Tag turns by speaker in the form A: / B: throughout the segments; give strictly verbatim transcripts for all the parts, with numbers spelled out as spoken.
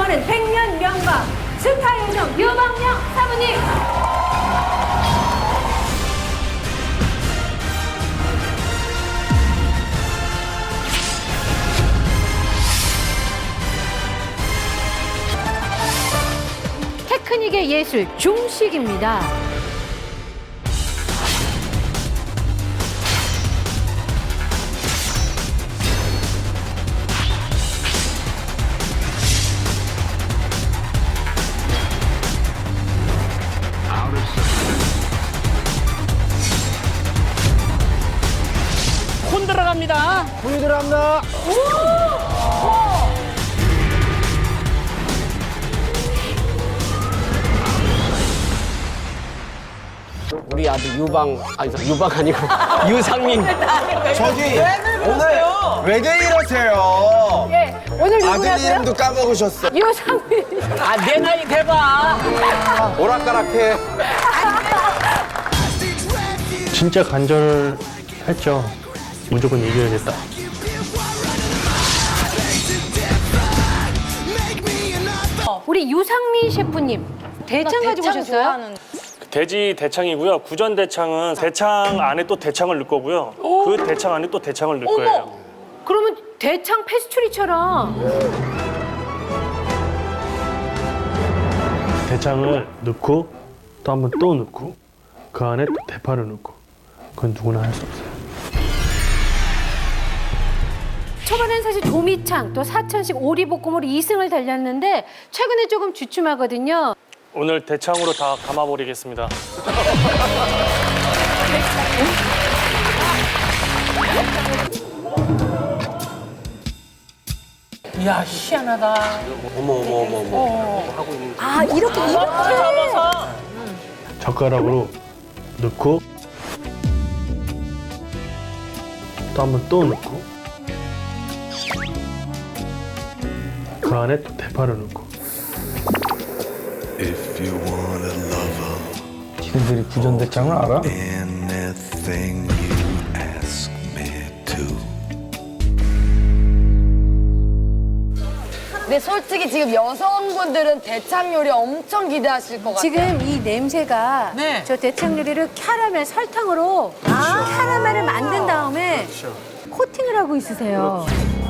A: 이번엔 백년 명가 스타 요정 유방영 사부님. 테크닉의 예술 중식입니다.
B: 콘 들어갑니다.
C: 불이 들어갑니다.
B: 우리 아들 유방, 아니, 유방 아니고 유상민.
C: 저기 오늘 왜들 이러세요?
A: 예, 오늘
C: 아들
A: 누구냐고요?
C: 이름도 까먹으셨어.
A: 유상민.
B: 아, 내 나이 대봐.
C: 오락가락해.
D: 진짜 간절했죠. 무조건 이겨야겠다.
A: 우리 유상민 셰프님 대창 가지고 오셨어요?
E: 돼지 대창이고요. 구전 대창은 대창 안에 또 대창을 넣을 거고요. 그 대창 안에 또 대창을 넣을 거예요.
A: 그러면 대창 페스츄리처럼.
D: 대창을 넣고 또 한 번 또 넣고 그 안에 또 대파를 넣고 그건 누구나 할 수 없어요.
A: 초반엔 사실 도미창 또 사천식 오리볶음으로 이 승을 달렸는데 최근에 조금 주춤하거든요.
E: 오늘 대창으로 다 감아버리겠습니다.
B: 이야, 희한하다.
C: 어머 어머 어머 어머.
A: 아 이렇게 이렇게.
D: 젓가락으로 넣고 또 한 번 또 넣고 그 안에 또 대파를 넣고.
F: If you want a lover,
C: 지들이 구전대창을 알아?
F: anything you ask me to.
G: 근데 솔직히 지금 여성분들은 대창 요리 엄청 기대하실 것 같아요.
A: 지금 이 냄새가
B: 네.
A: 저 대창 요리를 캐러멜 설탕으로 캐러멜을 만든 다음에 코팅을 하고 있으세요.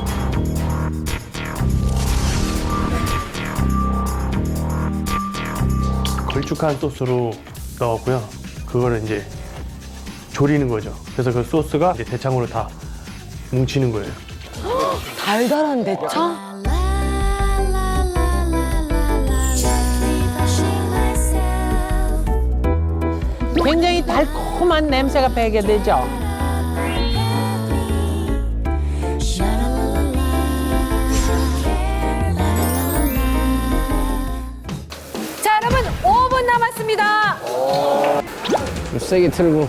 D: 걸쭉한 소스로 넣었고요. 그거를 이제 졸이는 거죠. 그래서 그 소스가 이제 대창으로 다 뭉치는 거예요.
G: 달달한 대창?
B: 굉장히 달콤한 냄새가 배게 되죠.
A: 자 여러분 오 분 남았습니다.
B: 세게 틀고.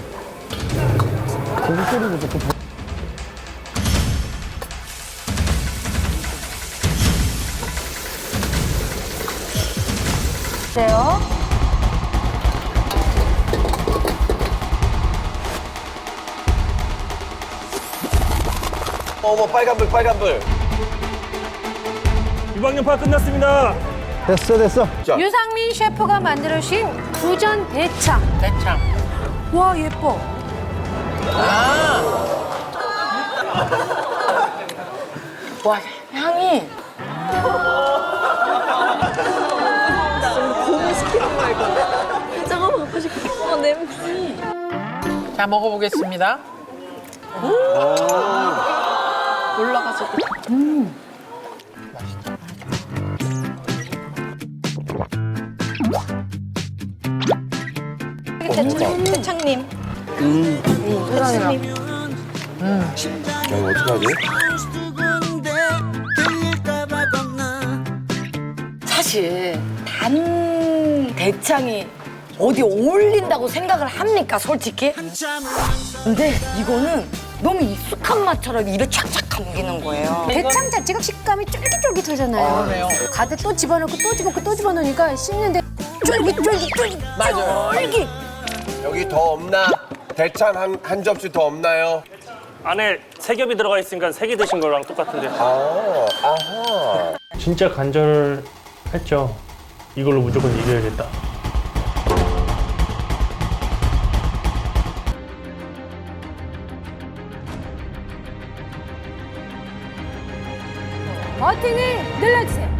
A: 돼요.
C: 어머 빨간불 빨간불.
E: 유방연파 끝났습니다.
C: 됐어 됐어. 자
A: 유상민 셰프가 만들어주신 구전 대창.
B: 대창.
A: 와 예뻐.
G: 와, 향이.
B: 자, 먹어보겠습니다.
G: 올라가지고. 대창, 대창님. 음. 대창님.
C: 야 이거 어떡하지?
G: 사실 단 대창이 어디 어울린다고 생각을 합니까, 솔직히? 근데 이거는 너무 익숙한 맛처럼 입에 착착 감기는 거예요.
A: 대창 자체가 식감이 쫄깃쫄깃하잖아요.
B: 그래요.
A: 가득 또 집어넣고 또 집어넣고 또 집어넣으니까 씹는데 쫄깃쫄깃쫄깃
B: 맞아요.
A: 쫄깃.
C: 여기 더 없나? 대창 한, 한 접시 더 없나요?
E: 안에 세 겹이 들어가 있으니까 세 개 드신 거랑 똑같은데.
C: 아, 아하.
D: 진짜 간절했죠. 했죠. 이걸로 무조건 이겨야겠다.
A: 버튼을 눌러주세요.